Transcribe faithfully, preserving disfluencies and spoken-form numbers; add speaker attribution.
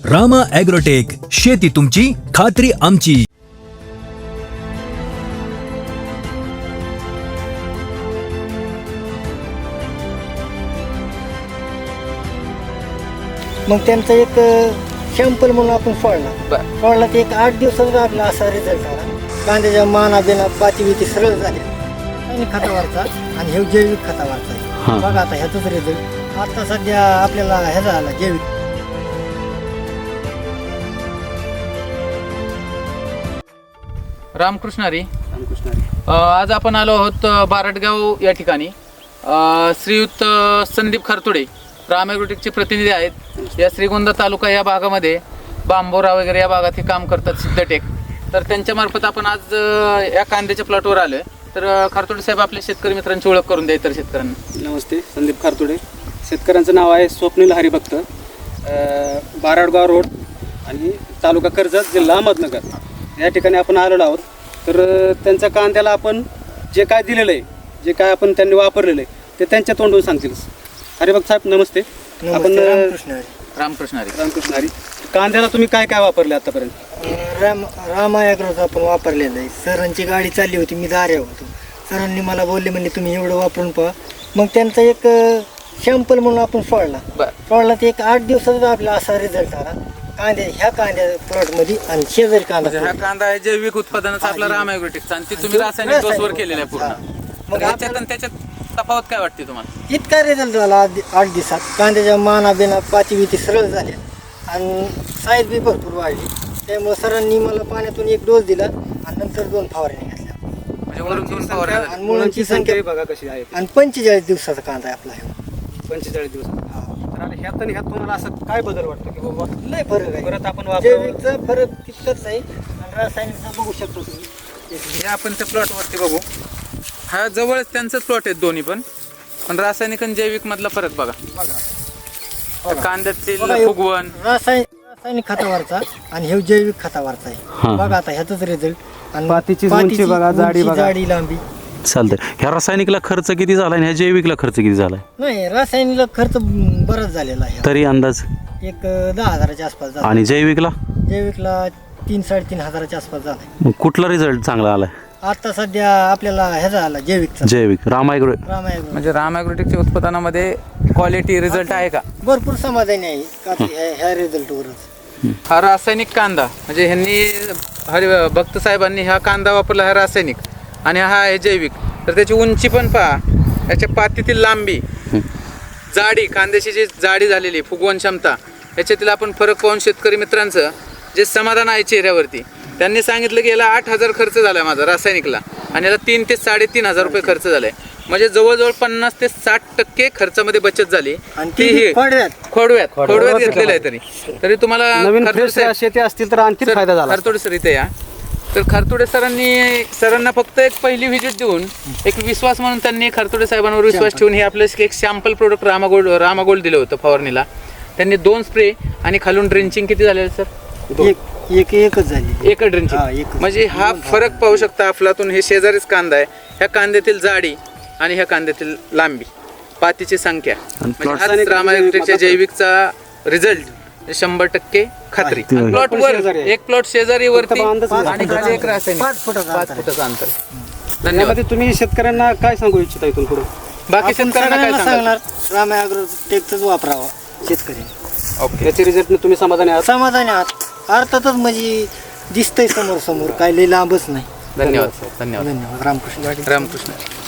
Speaker 1: Rama agrotech, शेती तुमची, खात्री आमची.
Speaker 2: मग त्यांचा एक शॅम्पल म्हणून आपण सोडला सोडला ते एक आठ दिवसात आपला असा रिझल्ट आला. कांद्याच्या माना बिना पाती बिती सरळ झाल्या आणि खतावरचा आणि हे जैविक खतावरचा आहे. बघा आता ह्याचाच रिझल्ट आता सध्या आपल्याला ह्याचा आला जैविक.
Speaker 3: रामकृष्णारी रामकृष्णारी आज आपण आलो आहोत बारडगाव या ठिकाणी. अ, श्रीयुत संदीप खरतुडे राम ॲग्रोटेकचे प्रतिनिधी आहेत. या श्रीगोंदा तालुका या भागामध्ये बांबोरा वगैरे या भागात हे काम करतात सिद्धटेक. तर त्यांच्या मार्फत आपण आज अ, या कांद्याच्या प्लॉटवर आलो आहे. तर अ, खरतुडे साहेब आपल्या शेतकरी मित्रांची ओळख करून द्या इतर शेतकऱ्यांना.
Speaker 4: नमस्ते, संदीप खरतुडे. शेतकऱ्यांचं नाव आहे स्वप्नील हरिभक्त, बाराडगाव रोड आणि तालुका कर्जत, जिल्हा अहमदनगर या ठिकाणी आपण आलेलो आहोत. तर अ, त्यांच्या कांद्याला आपण जे काय दिलेलं आहे, जे काय आपण त्यांनी वापरलेलं आहे ते त्यांच्या तोंडून सांगतील. हरिभक्त साहेब नमस्ते. आपण
Speaker 2: रामकृष्णारी
Speaker 3: रामकृष्णारी
Speaker 4: रामकृष्णारी कांद्याला तुम्ही काय काय वापरले आतापर्यंत?
Speaker 2: राम रामा ॲग्रोचा आपण वापरलेलं आहे. सरांची गाडी चालली होती, मी दाऱ्या होतो. सरांनी मला बोलले म्हणजे तुम्ही एवढं वापरून पहा. मग त्यांचा एक शॅम्पल म्हणून आपण सोडला सोडला ते एक आठ दिवसात आपला असा रिझल्ट आला. कांद्या ह्या कांद्या प्लॉटमध्ये आणि शेजारी कांदा
Speaker 3: हा कांदा आहे जैविक उत्पादनाचा आपला राम ॲग्रोटेकचा आणि ती तुम्ही रासायनिक डोसवर केलेला आहे पूर्ण. मग याच्यात आणि त्याच्यात तफावत काय वाटते तुम्हाला?
Speaker 2: इतका रिझल्ट झाला आठ आठ दिवसात. कांद्याच्या माना बिना पाती बिती सरळ झाल्या आणि साईज बी भरपूर वाढली. त्यामुळे सरांनी मला पाण्यातून एक डोस दिला आणि नंतर दोन फवारणी घातल्या.
Speaker 3: म्हणजे वरून दोन फवारण्या झाल्या.
Speaker 2: आणि मुळांची संख्या
Speaker 4: बघा कशी आहे.
Speaker 2: आणि पंचेचाळीस दिवसाचा कांदा आहे आपला हे.
Speaker 4: पंचेचाळीस दिवस. तर आता ह्यात आणि ह्यात तुम्हाला असं काय बदल वाटतो की बाबा
Speaker 2: लय फरक आहे.
Speaker 4: परत आपण वापरावं?
Speaker 2: जैविकचा फरक तितकाच आहे आणि रासायनिकचा बघू शकतो तुम्ही.
Speaker 3: हे आपण त्या प्लॉटवरती बघू. हा जवळच त्यांचंच प्लॉट आहेत दोन्ही पण पण रासायनिक आणि जैविक मधला फरक बघा. त्या कांद्यातील फुगवण
Speaker 2: रासायनिक रासायनिक खतावरचा आणि हे जैविक खतावरचा आहे. बघा आता ह्याचाच रिझल्ट आणि
Speaker 4: पातीची उंची बघा, जाडी बघा.
Speaker 2: जाडी लांबी.
Speaker 5: चालतंय. ह्या रासायनिकला खर्च किती झाला आणि ह्या जैविकला खर्च किती झालाय
Speaker 2: नाही, रासायनिकला खर्च बराच झालेला आहे.
Speaker 5: तरी अंदाज?
Speaker 2: एक दहा हजाराच्या आसपास झाला.
Speaker 5: आणि जैविकला?
Speaker 2: जैविकला तीन साडेतीन हजाराच्या आसपास झाला.
Speaker 5: मग कुठला रिझल्ट चांगला आलाय?
Speaker 2: आता सध्या आपल्याला ह्याचा आला जैविकचा.
Speaker 5: जैविक राम ॲग्रो.
Speaker 2: राम ॲग्रो
Speaker 3: म्हणजे राम ॲग्रोटेकच्या उत्पादनामध्ये क्वालिटी रिझल्ट आहे का?
Speaker 2: भरपूर समाधानी आहे का ते ह्या- ह्या रिझल्टवरच.
Speaker 3: हा रासायनिक कांदा म्हणजे ह्यांनी हरि भक्त साहेबांनी हा कांदा वापरला, हा रासायनिक, आणि हा आहे जैविक. तर त्याची उंची पण पहा, याच्या पातीतील लांबी, जाडी, कांद्याची जी जाडी झालेली फुगवण क्षमता, याच्यातील आपण फरक पाहून शेतकरी मित्रांचं जे समाधान आहे चेहऱ्यावरती. त्यांनी सांगितलं की याला आठ हजार खर्च झाला माझा रासायनिकला आणि याला तीन ते साडेतीन हजार रुपये खर्च झालाय. म्हणजे जवळजवळ पन्नास ते साठ टक्के खर्चामध्ये बचत झाली.
Speaker 2: आणि
Speaker 3: ती
Speaker 2: ती
Speaker 3: ही
Speaker 2: खोडव्यात.
Speaker 3: खोडव्यात खोडव्यात घेतलेलं आहे. तरी तरी तुम्हाला
Speaker 4: नवीन
Speaker 3: खरतुडे
Speaker 4: फ्रेश
Speaker 3: साहेब-
Speaker 4: शेती असतील तर आणखी
Speaker 3: सर,
Speaker 4: फायदा झाला.
Speaker 3: खरतुडे सर इथे या. तर खरतुडे सरांनी सरांना फक्त एक पहिली व्हिजिट देऊन एक विश्वास म्हणून त्यांनी खरतुडे साहेबांवर विश्वास ठेवून हे आपलं एक सॅम्पल प्रोडक्ट रामागोल्ड रामागोल्ड दिलं होतं फवारणीला. त्यांनी दोन स्प्रे आणि खालून ड्रिंचिंग किती झालेलं सर?
Speaker 2: एक एक एकच झाली.
Speaker 3: एक ड्रिंचिंग.
Speaker 2: हा, एकच.
Speaker 3: म्हणजे हा फरक पाहू शकता आपलातून. हे शेजारीच कांदा आहे. ह्या कांद्यातील जाडी आणि ह्या कांद्यातील लांबी, पातीची संख्या, म्हणजे हाच रामा ॲग्रोटेकच्या जैविकचा रिझल्ट शंभर टक्के खात्री. प्लॉट वर एक प्लॉट शेजारी वरती आणि खाली एक रासायनिक
Speaker 2: पाच फुटाचा
Speaker 3: पाच
Speaker 2: अंतर.
Speaker 3: फुटाचं अंतर. धन्यवाद.
Speaker 4: यामध्ये तुम्ही शेतकऱ्यांना काय सांगू इच्छिता इथून पुढे?
Speaker 3: बाकी
Speaker 2: आपण
Speaker 3: शेतकऱ्यांना काय
Speaker 2: सगळ्यांना
Speaker 3: सांगाल?
Speaker 2: सांगणार राम ॲग्रोटेकच वापरावा शेतकरी.
Speaker 3: ओके.
Speaker 4: याच्या रिझल्टने तुम्ही समाधानी आहात?
Speaker 2: समाधानी आहात अर्थातच, म्हणजे दिसतंय समोर समोर, काय लय लांबच नाही.
Speaker 3: धन्यवाद. धन्यवाद.
Speaker 2: धन्यवाद. रामकृष्ण.
Speaker 3: रामकृष्ण.